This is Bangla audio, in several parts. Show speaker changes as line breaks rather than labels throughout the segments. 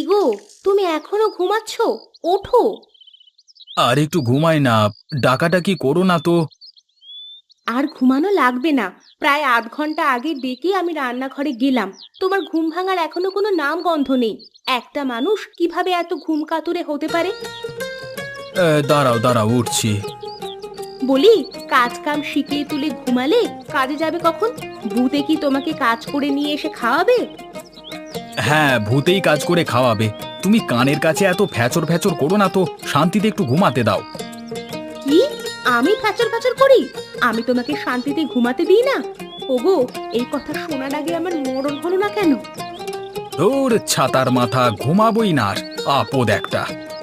গো, তুমি এখনো ঘুমাচ্ছ? ওঠো।
আর একটু ঘুমাই না। ডাকাডাকি করো না তো।
আর ঘুমানো লাগবে না। প্রায় আধ ঘন্টা আগে ডেকে আমি রান্নাঘরে গেলাম। তোমার ঘুম ভাঙার এখনো কোনো নাম গন্ধ নেই। একটা মানুষ কিভাবে এত ঘুম কাতুরে হতে পারে?
দাঁড়াও দাঁড়াও, উঠছি।
বলি, কাজ কাম শিখিয়ে তুলে ঘুমালে কাজে যাবে কখন? ভূতে কি তোমাকে কাজ করে নিয়ে এসে খাওয়াবে?
হ্যাঁ, ভূতেই কাজ করে খাওয়াবে। তুমি কানের কাছে এত ফ্যাচর ফ্যাচর করো না তো, শান্তিতে একটু ঘুমাতে দাও।
কি? আমি ফ্যাচর ফ্যাচর করি? আমি তোমাকে শান্তিতে ঘুমাতে দিই না? ওগো, এই কথা শোনার আগে আমার মরণ হলো না কেন?
ধুর, ছাতার মাথা, ঘুমাবই না আর। আপদ একটা।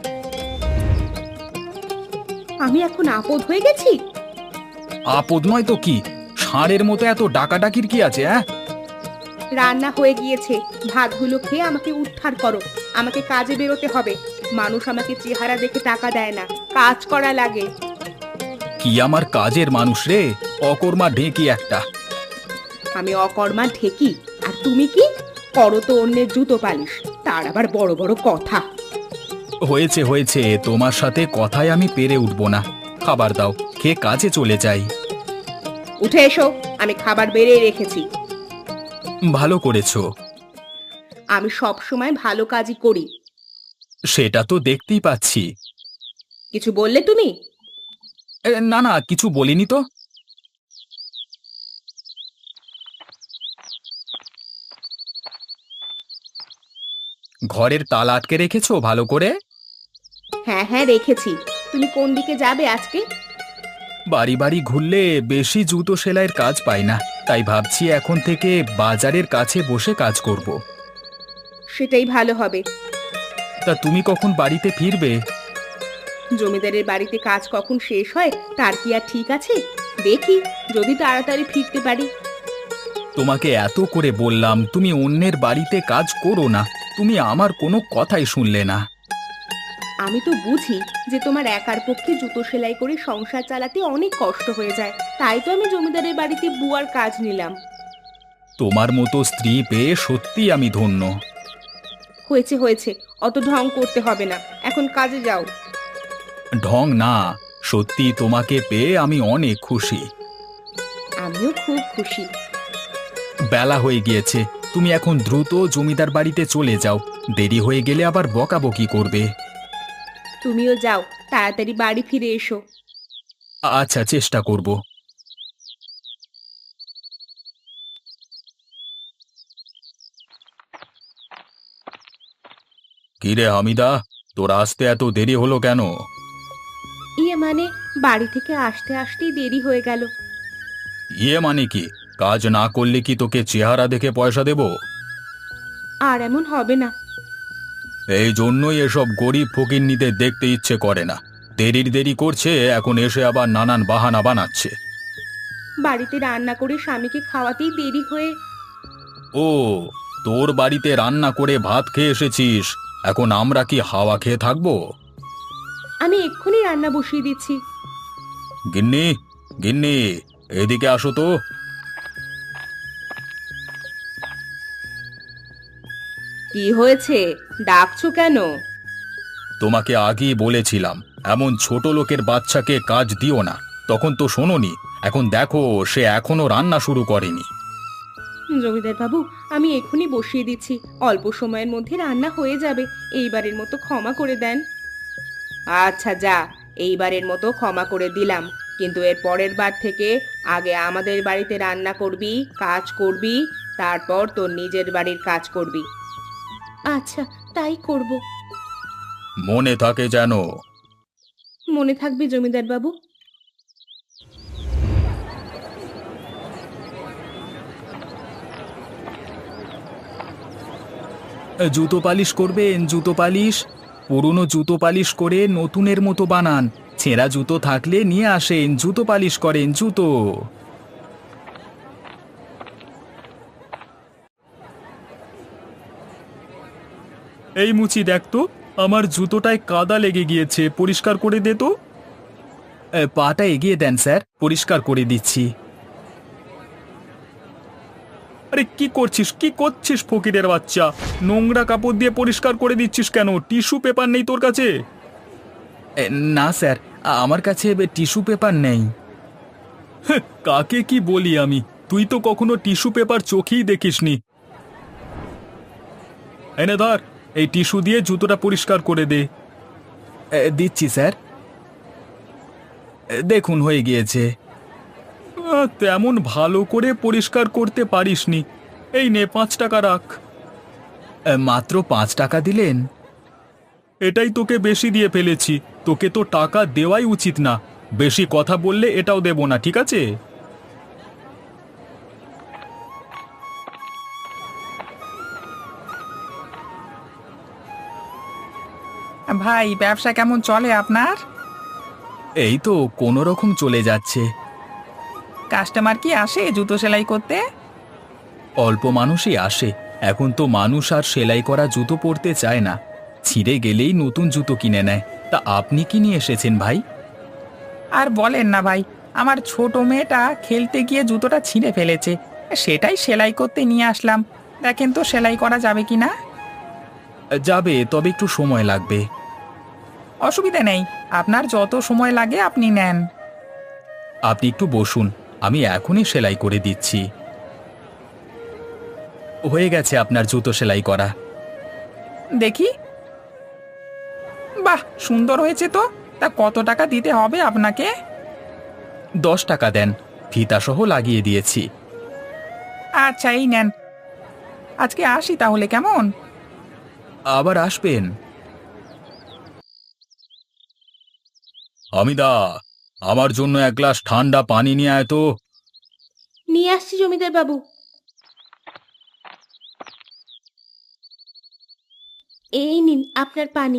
আমি এখন আপদ হয়ে গেছি?
আপদ নয় তো কি? ষাঁড়ের মতো এত ডাকাডাকির কি আছে? হ্যাঁ,
রান্না হয়ে গিয়েছে, ভাতগুলো খেয়ে আমাকে উদ্ধার করো। আমাকে কাজে বেরোতে হবে। মানুষ আমাকে চেহারা দেখে টাকা দেয় না, কাজ করা লাগে।
কি আমার কাজের মানুষ রে? অকর্মা ঢেঁকি একটা।
আমি অকর্মা ঢেকি, আর তুমি কি করো? তো অন্যের জুতো পালিশ, তার আবার বড় বড় কথা।
হয়েছে হয়েছে, তোমার সাথে কথায় আমি পেরে উঠবো না। খাবার দাও, খেয়ে কাজে চলে যাই।
উঠে এসো, আমি খাবার বেড়ে রেখেছি।
ভালো করেছো।
আমি সব সময় ভালো কাজই করি।
সেটা তো দেখতেই পাচ্ছি।
কিছু বললে তুমি?
না না, কিছু বলিনি তো। ঘরের তালা আটকে রেখেছো ভালো করে?
হ্যাঁ হ্যাঁ, রেখেছি। তুমি কোন দিকে যাবে আজকে?
বাড়ি বাড়ি ঘুরলে বেশি জুতো সেলাইয়ের কাজ পাই না, তাই ভাবছি এখন থেকে বাজারের কাছে বসে কাজ করব।
সেটাই ভালো হবে।
তা তুমি কখন বাড়িতে ফিরবে?
জমিদারের বাড়িতে কাজ কখন শেষ হয় তার কি আর ঠিক আছে? দেখি, যদি তাড়াতাড়ি ফিরতে পারি।
তোমাকে এত করে বললাম তুমি অন্যের বাড়িতে কাজ করো না, তুমি আমার কোনো কথাই শুনলে না।
আমি তো বুঝি যে তোমার একার পক্ষে জুতো সেলাই করে সংসার চালাতে অনেক কষ্ট হয়ে যায়, তাই তো আমি জমিদারের বাড়িতে বুয়ার কাজ নিলাম।
তোমার মতো স্ত্রী পেয়ে সত্যি আমি ধন্য।
হয়েছে হয়েছে, অত ঢং করতে হবে না, এখন কাজে যাও।
ঢং না, সত্যি তোমাকে পেয়ে আমি অনেক খুশি।
আমিও খুব খুশি।
বেলা হয়ে গিয়েছে, তুমি এখন দ্রুত জমিদার বাড়িতে চলে যাও। দেরি হয়ে গেলে আবার বকাবকি করবে।
তুমিও যাও, তাড়াতাড়ি বাড়ি ফিরে এসো।
আচ্ছা, চেষ্টা করব। কিরে হামিদা, তোর আসতে এত দেরি হলো কেন?
মানে, বাড়ি থেকে আসতে আসতেই দেরি হয়ে গেল।
ইয়ে মানে কি? কাজ না করলে কি তোকে চেহারা দেখে পয়সা দেব?
আর এমন হবে না।
এই জন্যই এসব গরিব ফকিন্নিদের দেখতে ইচ্ছে করে না। দেরির দেরি করছে, এখন এসে আবার নানান বাহানা বানাচ্ছে।
বাড়িতে রান্না করে স্বামীকে খাওয়াতেই দেরি হয়ে।
ও, তোর বাড়িতে রান্না করে ভাত খেয়ে এসেছিস, এখন আমরা কি হাওয়া খেয়ে থাকবো?
আমি এক্ষুনি রান্না বসিয়ে দিচ্ছি।
গিন্নি, গিন্নি, এদিকে আসো তো।
কি হয়েছে? ডাকছো কেন?
তোমাকে আগেই বলেছিলাম এমন ছোট লোকের বাচ্চাকে কাজ দিও না, তখন তো শোনোনি। এখন দেখো, সে এখনো রান্না শুরু করেনি।
জমিদার বাবু, আমি এক্ষুনি বসিয়ে দিচ্ছি। অল্প সময়ের মধ্যে রান্না হয়ে যাবে। এইবারের মতো ক্ষমা করে দেন। আচ্ছা যা, এইবারের মতো ক্ষমা করে দিলাম, কিন্তু এর পরের বার থেকে আগে আমাদের বাড়িতে রান্না করবি, কাজ করবি, তারপর তোর নিজের বাড়ির কাজ করবি। আচ্ছা, তাই করব।
মনে থাকে যেন।
মনে থাকবে জমিদার বাবু।
জুতো পালিশ করবেন? জুতো পালিশ পুরনো জুতো পালিশ করে নতুনের মতো বানান। ছেঁড়া জুতো থাকলে নিয়ে আসেন, জুতো পালিশ করেন জুতো। এই মুচি, দেখ তো, আমার জুতোটায় কাদা লেগে গিয়েছে, পরিষ্কার করে দে তো। পাটা এগিয়ে দেন স্যার, পরিষ্কার করে দিচ্ছি। আরে কি করছিস ফকিরের বাচ্চা? নোংরা কাপড় দিয়ে পরিষ্কার করে দিচ্ছিস কেন? টিস্যু পেপার নেই তোর কাছে? না স্যার, আমার কাছে টিস্যু পেপার নেই। কাকে কি বলি আমি? তুই তো কখনো টিস্যু পেপার চোখেই দেখিসনি। এনে ধর, এই টিস্যু দিয়ে জুতোটা পরিষ্কার করে দে। দিচ্ছি স্যার। দেখুন হয়ে গিয়েছে। তেমন ভালো করে পরিষ্কার করতে পারিসনি। এই নে 5 টাকা রাখ। মাত্র 5 টাকা দিলেন? এটাই তোকে বেশি দিয়ে ফেলেছি। তোকে তো টাকা দেওয়াই উচিত না। বেশি কথা বললে এটাও দেব না, ঠিক আছে?
ভাই, ব্যবসা কেমন চলে আপনার?
এই তো কোনো রকম চলে যাচ্ছে।
কাস্টমার কি আসে জুতো সেলাই করতে?
অল্প মানুষই আসে। এখন তো মানুষ আর সেলাই করা জুতো পরতে চায় না, ছিঁড়ে গেলেই নতুন জুতো কিনে নেয়। তা আপনি কি নিয়ে এসেছেন ভাই?
আর বলেন না ভাই, আমার ছোট মেয়েটা খেলতে গিয়ে জুতোটা ছিঁড়ে ফেলেছে। সেটাই সেলাই করতে নিয়ে আসলাম। দেখেন তো সেলাই করা যাবে কি না।
যাবে, তবে একটু সময় লাগবে।
অসুবিধা নেই, আপনার যত সময় লাগে আপনি নেন।
আপনি একটু বসুন, আমি এখনই সেলাই করে দিচ্ছি। হয়ে গেছে আপনার জুতো সেলাই করা।
দেখি। বাহ, সুন্দর হয়েছে তো। তা কত টাকা দিতে হবে আপনাকে?
10 টাকা দেন, ফিতাসহ লাগিয়ে দিয়েছি।
আচ্ছা, এই নেন। আজকে আসি তাহলে, কেমন?
আবার আসবেন। হামিদা, আমার জন্য এক গ্লাস ঠান্ডা পানি নিয়ে আয় তো।
নিয়ে আসছি জমিদার বাবু। এই নিন আপনার পানি।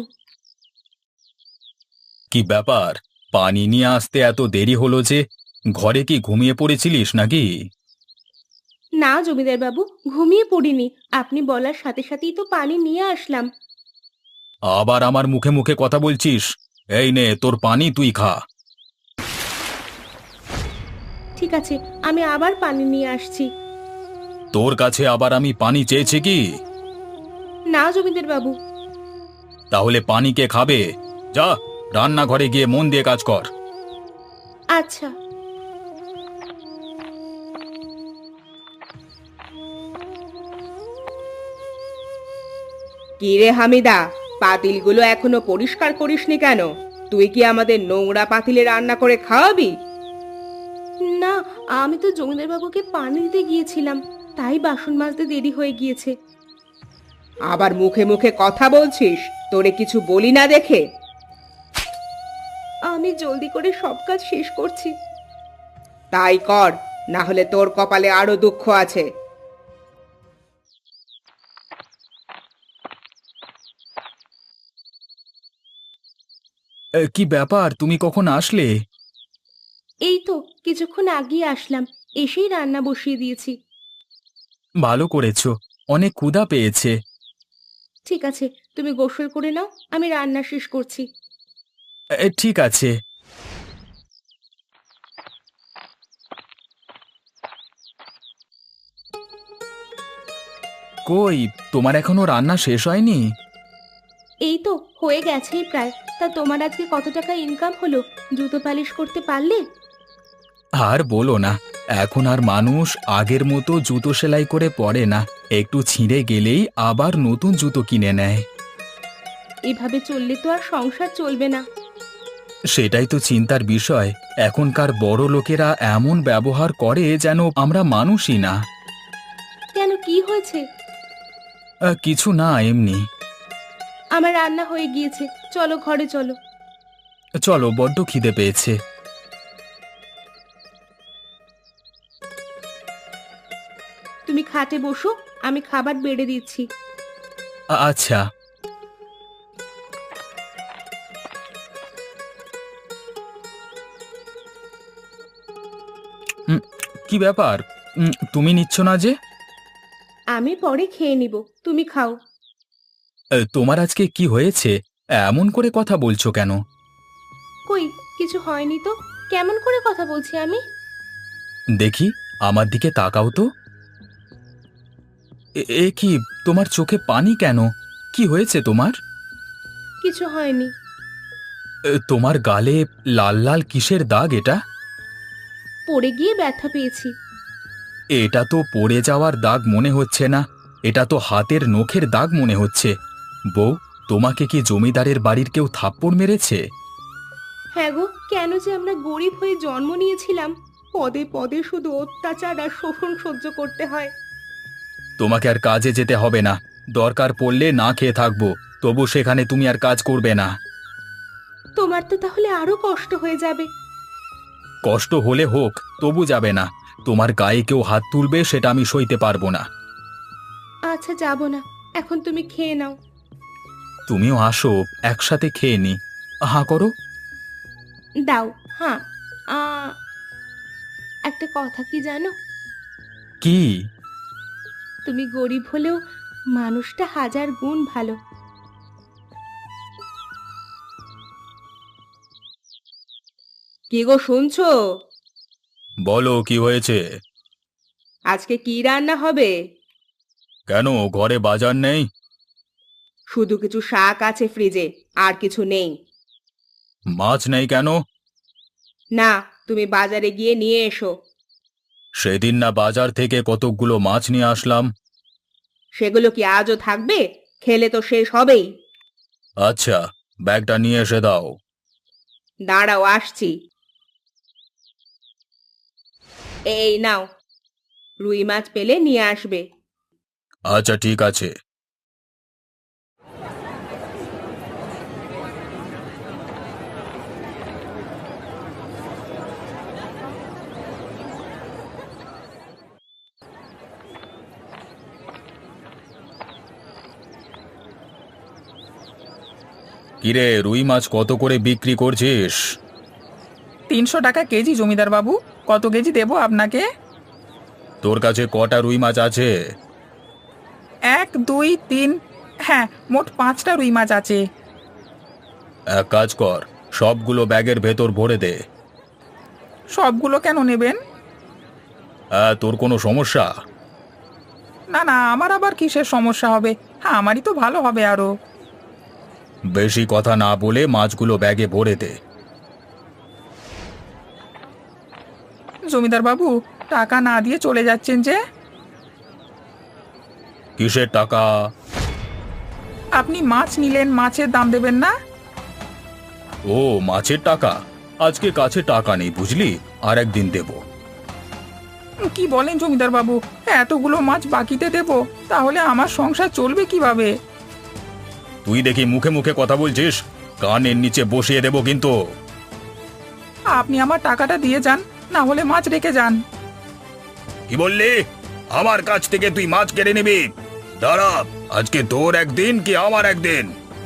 কি ব্যাপার, পানি নিয়ে আসতে এত দেরি হলো যে? ঘরে কি ঘুমিয়ে পড়েছিলিস নাকি?
না জমিদার বাবু, ঘুমিয়ে পড়িনি। আপনি বলার সাথে সাথেই তো পানি নিয়ে আসলাম।
আবার আমার মুখে মুখে কথা বলছিস? এই নে তোর পানি, তুই খা।
ঠিক আছে, আমি আবার পানি নিয়ে আসছি।
তোর কাছে আবার আমি পানি চেয়েছি কি?
না জমিদার বাবু।
তাহলে পানি কে খাবে? যা, রান্নাঘরে গিয়ে মন দিয়ে কাজ কর।
আচ্ছা। কি রে হামিদা, পাতিলগুলো এখনো পরিষ্কার করিসনি কেন? তুই কি আমাদের নোংরা পাতিলে রান্না করে খাওয়াবি? না, আমি তো জমিদার বাবুকে পানি দিতে গিয়েছিলাম, তাই বাসন মাজতে দেরি হয়ে গিয়েছে। আবার মুখে মুখে কথা বলছিস? তোরে কিছু বলি না দেখে? আমি জলদি করে সব কাজ শেষ করছি। তাই কর, না হলে তোর কপালে আরো দুঃখ আছে।
কি ব্যাপার, তুমি কখন আসলে?
এই তো কিছুক্ষণ আগেই আসলাম, এসেই রান্না বসিয়ে দিয়েছি।
ভালো করেছো, অনেক ক্ষুধা পেয়েছে।
ঠিক আছে, তুমি গোসল করে নাও, আমি রান্না শেষ করছি।
ঠিক আছে। কই, তোমার এখনো রান্না শেষ হয়নি?
এই তো হয়ে গেছেই প্রায়। তা তোমার আজকে কত টাকা ইনকাম হলো? জুতো পালিশ করতে পারলে?
আর বলো না, এখন আর মানুষ আগের মতো জুতো সেলাই করে পরে না। একটু ছিঁড়ে গেলেই আবার নতুন জুতো কিনে নেয়।
এভাবে চললে তো আর সংসার চলবে না।
সেটাই তো চিন্তার বিষয়। এখনকার বড় লোকেরা এমন ব্যবহার করে যেন আমরা মানুষই না।
কেন, কি হয়েছে?
কিছু না, এমনি।
আমার রান্না হয়ে গিয়েছে, চলো ঘরে চলো।
চলো, বড্ড খিদে পেয়েছে।
তুমি খাটে বসো, আমি খাবার বেড়ে দিচ্ছি।
আচ্ছা। উম, কি ব্যাপার, তুমি নিচ্ছ না যে?
আমি পরে খেয়ে নিব, তুমি খাও।
তোমার আজকে কি হয়েছে? এমন করে কথা বলছো কেন?
কই, কিছু হয়নি তো। কেমন করে কথা বলছি আমি?
দেখি, আমার দিকে তাকাও তো। এ কি, তোমার চোখে পানি কেন? কি হয়েছে তোমার?
কিছু হয়নি।
তোমার গালে লাল লাল কিসের দাগ এটা?
পড়ে গিয়ে ব্যথা পেয়েছি।
এটা তো পড়ে যাওয়ার দাগ মনে হচ্ছে না, এটা তো হাতের নখের দাগ মনে হচ্ছে। বউ, তোমাকে কি জমিদারের বাড়ির কেউ থাপ্পড় মেরেছে?
হ্যাঁ গো, কেন যে আমরা গরিব হয়ে জন্ম নিয়েছিলাম, পদে পদে শুধু অত্যাচার আর শোষণ সহ্য করতে হয়।
তোমাকে আর কাজে যেতে হবে না, দরকার পড়লে না খেয়ে থাকবো, তবু সেখানে তুমি আর কাজ করবে না।
তোমার তো তাহলে আরো কষ্ট হয়ে যাবে।
কষ্ট হলে হোক, তবু যাবে না। তোমার গায়ে কেউ হাত তুলবে সেটা আমি সইতে পারবো না।
আচ্ছা, যাব না, এখন তুমি খেয়ে নাও।
তুমিও আসো, একসাথে খেয়ে নি। হাঁ করো।
দাও। হ্যাঁ। আ একটা কথা কি জানো?
কি?
তুমি গরিব হলেও মানুষটা হাজার গুণ ভালো। কি গো, শুনছো?
বলো, কি হয়েছে?
আজকে কি রান্না হবে?
কেন, ঘরে বাজার নেই?
শুধু কিছু শাক আছে ফ্রিজে, আর কিছু নেই।
মাছ নেই কেন?
না, তুমি বাজারে গিয়ে নিয়ে এসো।
সেদিন না বাজার থেকে কতকগুলো মাছ নিয়ে আসলাম।
সেগুলো কি আজও থাকবে? খেলে তো শেষ হবেই।
আচ্ছা, ব্যাগটা নিয়ে এসে দাও।
দাঁড়াও, আসছি। এই নাও, রুই মাছ পেলে নিয়ে আসবে।
আচ্ছা, ঠিক আছে। কিরে, রুই মাছ কত করে বিক্রি করছিস?
300 টাকা কেজি জমিদার বাবু। কত কেজি দেবো আপনাকে?
তোর কাছে কটা রুই মাছ আছে?
1, 2, 3, হ্যাঁ, মোট 5টা রুই মাছ আছে।
এক কাজ কর, সবগুলো ব্যাগের ভেতর ভরে দে।
সবগুলো কেন নেবেন?
তোর কোনো সমস্যা?
না না, আমার আবার কিসের সমস্যা হবে? হ্যাঁ, আমারই তো ভালো হবে আরো।
বেশি কথা না বলে মাছগুলো ব্যাগে ভরে দে।
জমিদার বাবু, টাকা না দিয়ে চলে যাচ্ছেন যে?
কিসের টাকা?
আপনি মাছ নিলেন, মাছের দাম দেবেন না?
ও, মাছের টাকা? আজকে কাছে টাকা নেই বুঝলি, আর একদিন দেব।
কি বলেন জমিদার বাবু? এতগুলো মাছ বাকিতে দেব, তাহলে আমার সংসার চলবে কিভাবে?
তুই দেখি মুখে মুখে কথা বলছিস, কানের নিচে বসিয়ে দেব কিন্তু।
আপনি আমার টাকাটা দিয়ে যান, না হলে মাছ রেখে যান।
কি বললি? আমার কাছ থেকে তুই মাছ কেড়ে নিবি? দাঁড়া, আজকে তোর একদিন কি আমার একদিন।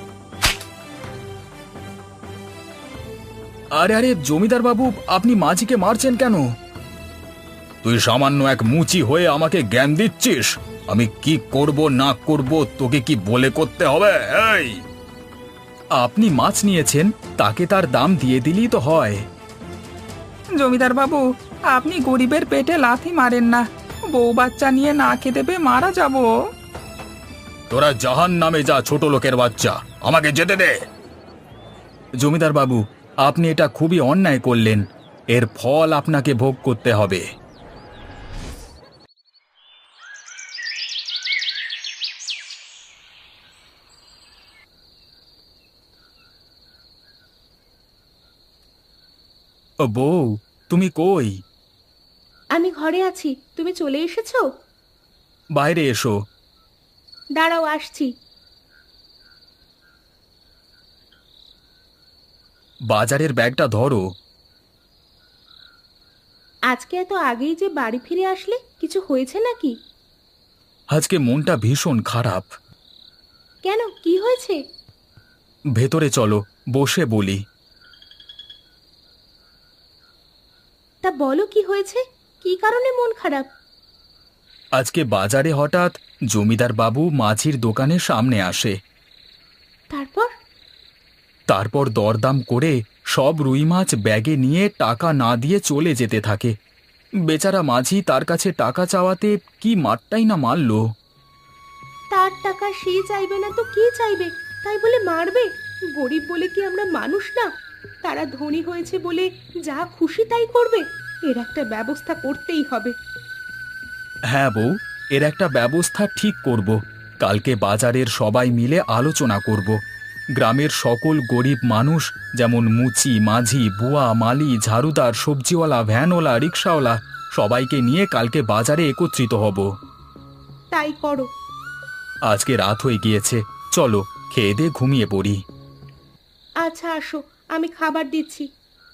আরে আরে জমিদার বাবু, আপনি মাঝিকে মারছেন কেন? তুই সামান্য এক মুচি হয়ে আমাকে জ্ঞান দিচ্ছিস? আমি কি করব না করব তোকে কি বলে করতে হবে? এই, আপনি মাছ নিয়েছেন, তাকে তার দাম দিয়ে দিলেই তো হয়।
জমিদার বাবু, আপনি গরিবের পেটে লাথি মারেন না। বউ বাচ্চা নিয়ে না খেতে পেয়ে মারা যাব।
তোরা জাহান নামে যা, ছোট লোকের বাচ্চা, আমাকে যেতে দে। জমিদার বাবু, আপনি এটা খুবই অন্যায় করলেন, এর ফল আপনাকে ভোগ করতে হবে। ও বউ, তুমি কই?
আমি ঘরে আছি, তুমি চলে এসেছো?
বাইরে এসো।
দাঁড়াও, আসছি।
বাজারের ব্যাগটা ধরো।
আজকে এত আগেই যে বাড়ি ফিরে আসলে, কিছু হয়েছে নাকি?
আজকে মনটা ভীষণ খারাপ।
কেন, কি হয়েছে?
ভেতরে চলো, বসে বলি।
তা বলো, কি হয়েছে? কি কারণে মন খারাপ?
আজকে বাজারে হঠাৎ জমিদার বাবু মাছির দোকানের সামনে আসে।
তারপর?
তারপর দরদাম করে সব রুই মাছ ব্যাগে নিয়ে টাকা না দিয়ে চলে যেতে থাকে। বেচারা মাঝি তার কাছে টাকা চাওয়াতে কি মারটাই না মারল।
তার টাকা সে চাইবে না তো কে চাইবে, তাই বলে মারবে? গরিব বলে কি আমরা মানুষ না? তারা ধনী হয়েছে বলে যা খুশি তাই করবে? এর একটা ব্যবস্থা করতেই হবে।
হ্যাঁ বউ, এর একটা ব্যবস্থা ঠিক করব। কালকে বাজারের সবাই মিলে আলোচনা করব। গ্রামের সকল গরিব মানুষ, যেমন মুচি, মাঝি, বুয়া, মালি, ঝাড়ুদার, সবজিওয়ালা, ভ্যানওয়ালা, রিক্সাওয়ালা, সবাইকে নিয়ে কালকে বাজারে একত্রিত হব।
তাই করো।
আজকে রাত হয়ে গিয়েছে, চলো খেয়ে দিয়ে ঘুমিয়ে পড়ি।
আচ্ছা আসো, আমি খাবার দিচ্ছি।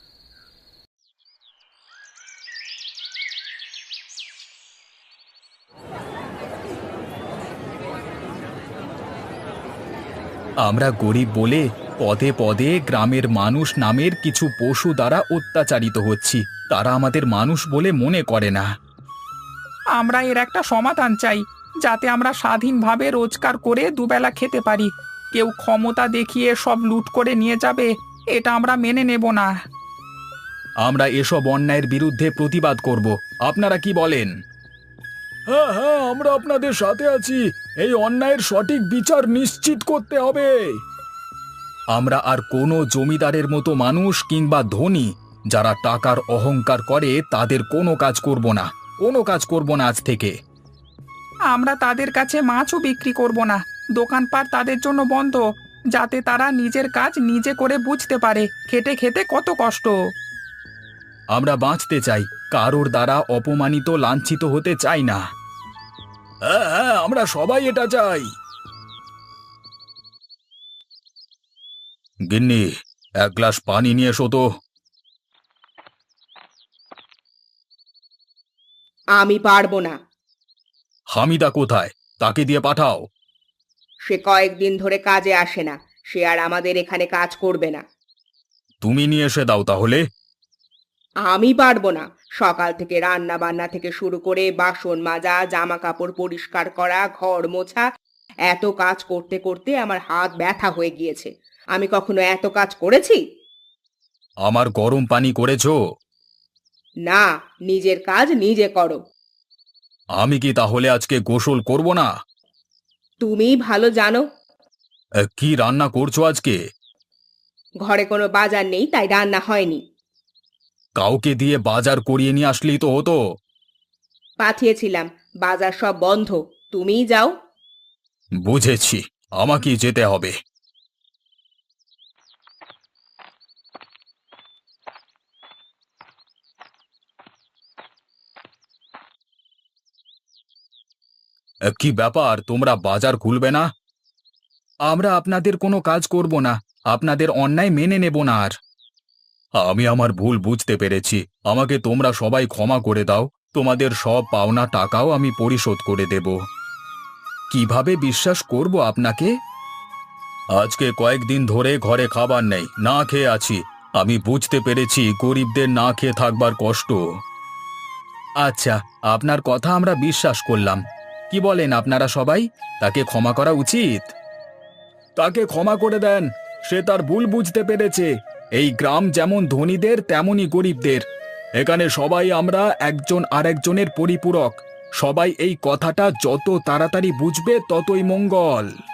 আমরা গরিব বলে পদে পদে গ্রামের মানুষ নামের কিছু পশু দ্বারা অত্যাচারিত হচ্ছি। তারা আমাদের মানুষ বলে মনে করে না।
আমরা এর একটা সমাধান চাই, যাতে আমরা স্বাধীনভাবে রোজগার করে দুবেলা খেতে পারি। কেউ ক্ষমতা দেখিয়ে সব লুট করে নিয়ে যাবে, এটা আমরা মেনে নেব না।
আমরা এসব অন্যায়ের বিরুদ্ধে প্রতিবাদ করব। আপনারা কি বলেন? হ্যাঁ হ্যাঁ, আমরা আপনাদের সাথে আছি। এই অন্যায়ের সঠিক বিচার নিশ্চিত করতে হবে। আমরা আর কোনো জমিদারের মতো মানুষ কিংবা ধনী যারা টাকার অহংকার করে তাদের কোনো কাজ করব না, কোনো কাজ করব না আজ থেকে।
আমরা তাদের কাছে মাছও বিক্রি করব না, দোকানপাট তাদের জন্য বন্ধ, যাতে তারা নিজের কাজ নিজে করে বুঝতে পারে খেটে খেতে কত কষ্ট।
আমরা বাঁচতে চাই, কারোর দ্বারা অপমানিত লাঞ্ছিত হতে চাই না। হ্যাঁ হ্যাঁ, আমরা সবাই এটা চাই। গিন্নি, এক গ্লাস পানি নিয়ে এসো তো।
আমি পারবো না।
হামিদা কোথায়? তাকে দিয়ে পাঠাও।
সে কয়েকদিন ধরে কাজে আসে না, সে আর আমাদের এখানে কাজ করবে না।
তুমি নিয়ে এসে দাও তাহলে।
আমি পারবো না। সকাল থেকে রান্না বান্না থেকে শুরু করে বাসন মাজা, জামা কাপড় পরিষ্কার করা, ঘর মোছা, এত কাজ করতে করতে আমার হাত ব্যথা হয়ে গিয়েছে। আমি কখনো এত কাজ করেছি?
আমার গরম পানি করেছো?
না, নিজের কাজ নিজে করো।
আমি কি তাহলে আজকে গোসল করব না?
তুমিই ভালো জানো।
কি রান্না করছো আজকে?
ঘরে কোনো বাজার নেই, তাই রান্না হয়নি।
কাউকে দিয়ে বাজার করিয়ে নিয়ে আসলেই তো হতো।
পাঠিয়েছিলাম, বাজার সব বন্ধ। তুমিই যাও।
বুঝেছি, আমাকেই যেতে হবে। কি ব্যাপার, তোমরা বাজার খুলবে না? আমরা আপনাদের কোনো কাজ করব না, আপনাদের অন্যায় মেনে নেব না আর। আমি আমার ভুল বুঝতে পেরেছি, আমাকে তোমরা সবাই ক্ষমা করে দাও। তোমাদের সব পাওনা টাকাও আমি পরিশোধ করে দেব। কিভাবে বিশ্বাস করব আপনাকে? আজকে কয়েকদিন ধরে ঘরে খাবার নেই, না খেয়ে আছি। আমি বুঝতে পেরেছি গরিবদের না খেয়ে থাকবার কষ্ট। আচ্ছা, আপনার কথা আমরা বিশ্বাস করলাম। কি বলেন আপনারা সবাই? তাকে ক্ষমা করা উচিত। তাকে ক্ষমা করে দেন, সে তার ভুল বুঝতে পেরেছে। এই গ্রাম যেমন ধনীদের তেমনই গরিবদের। এখানে সবাই আমরা একজন আরেকজনের পরিপূরক। সবাই এই কথাটা যত তাড়াতাড়ি বুঝবে ততই মঙ্গল।